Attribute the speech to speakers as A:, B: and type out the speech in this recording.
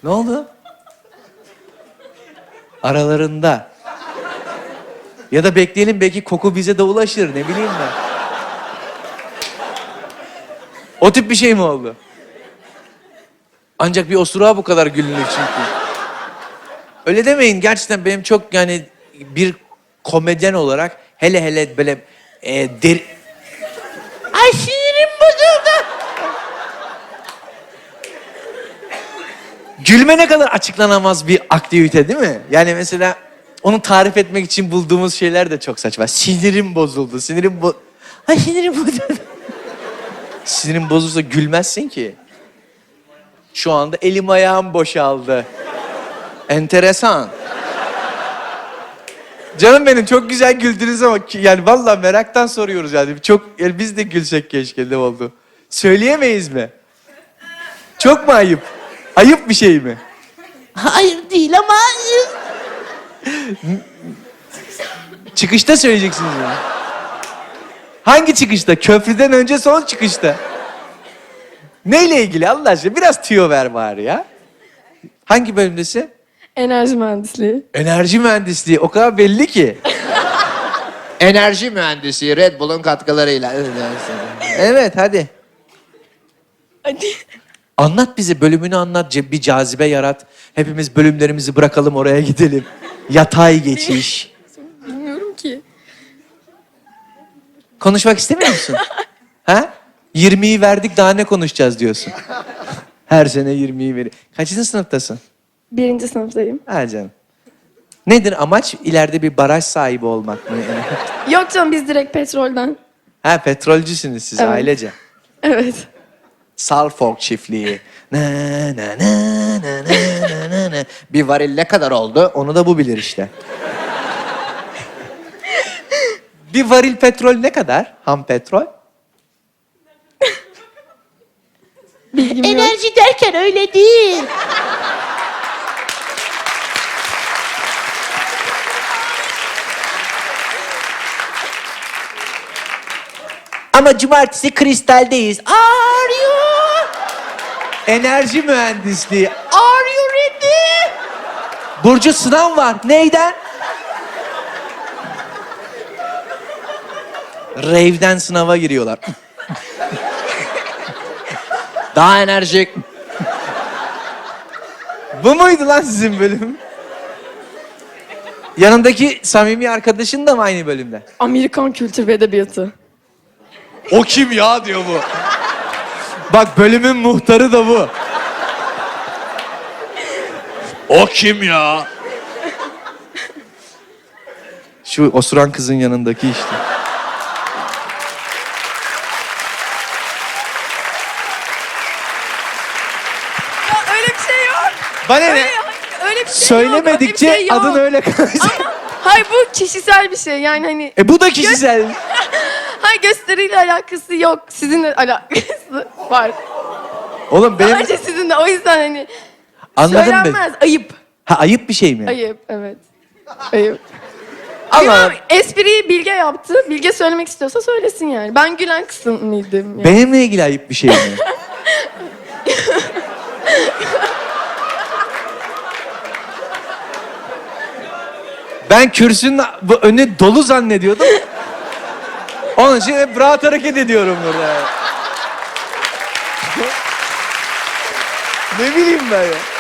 A: Ne oldu? Aralarında. Ya da bekleyelim, belki koku bize de ulaşır, ne bileyim ben. O tip bir şey mi oldu? Ancak bir osuruğa bu kadar gülünür çünkü. Öyle demeyin, gerçekten benim çok yani bir komedyen olarak hele böyle Ay sinirim bozuldu. Gülme ne kadar açıklanamaz bir aktivite değil mi? Yani mesela onu tarif etmek için bulduğumuz şeyler de çok saçma. Sinirim bozuldu, Ay sinirim bozuldu. Sinirim bozulsa gülmezsin ki. Şu anda elim ayağım boşaldı. Enteresan. Canım benim, çok güzel güldünüz ama yani vallahi meraktan soruyoruz yani. Çok yani biz de gülsek keşke, ne oldu? Söyleyemeyiz mi? Çok mu ayıp? Ayıp bir şey mi?
B: Hayır değil ama...
A: Çıkışta söyleyeceksiniz bunu. Hangi çıkışta? Köprüden önce, son çıkışta. Neyle ilgili Allah aşkına? Biraz tüyo ver bari ya. Hangi bölümdesin?
C: Enerji mühendisliği.
A: Enerji mühendisliği. O kadar belli ki.
B: Enerji mühendisi Red Bull'un katkılarıyla.
A: Evet, hadi.
C: Hadi.
A: Anlat bize, bölümünü anlat. Bir cazibe yarat. Hepimiz bölümlerimizi bırakalım, oraya gidelim. Yatay geçiş.
C: Bilmiyorum ki.
A: Konuşmak istemiyor musun? Ha? 20'yi verdik, daha ne konuşacağız diyorsun. Her sene 20'yi veriyor. Kaçıncı sınıftasın?
C: 1. sınıftayım.
A: Ha canım. Nedir amaç? İleride bir baraj sahibi olmak mı?
C: Yok canım, biz direkt petrolden.
A: Ha, petrolcüsünüz siz,
C: Evet.
A: ailece.
C: Evet.
A: Suffolk çiftliği. Na, na, na, na, na, na, na.
B: Bir varil ne kadar oldu?
A: Onu da bu bilir işte. Bir varil petrol ne kadar? Ham petrol?
C: Bilgim yok.
B: Enerji derken öyle değil.
A: Ama cumartesi kristaldeyiz. Are you? Enerji mühendisliği. Are you ready? Burcu, sınav var. Neyden? Rave'den sınava giriyorlar.
B: Daha enerjik.
A: Bu muydu lan sizin bölüm? Yanındaki samimi arkadaşın da mı aynı bölümde?
C: Amerikan kültür ve edebiyatı.
A: O kim ya diyor bu. Bak, bölümün muhtarı da bu. O kim ya? Şu osuran kızın yanındaki işte.
C: Ya öyle bir şey yok.
A: Bana ne?
C: Öyle bir şey
A: Söylemedikçe
C: yok. Öyle bir şey yok.
A: adın öyle kalacak.
C: Hayır, bu kişisel bir şey. Yani hani...
A: Bu da kişisel.
C: Hayır, gösteriyle alakası yok. Sizinle alakası var.
A: Oğlum benim...
C: Sadece sizinle. O yüzden hani...
A: Anladım ben.
C: Söylenmez. Ayıp.
A: Ha, ayıp bir şey mi?
C: Ayıp, evet. Ayıp.
A: Allah.
C: Bilmem, espriyi Bilge yaptı. Bilge söylemek istiyorsa söylesin yani. Ben gülen kısmıydım. Yani.
A: Benimle ilgili ayıp bir şey mi? Ben kürsünün bu önü dolu zannediyordum. Onun için hep rahat hareket ediyorum burada. Ne bileyim ben ya.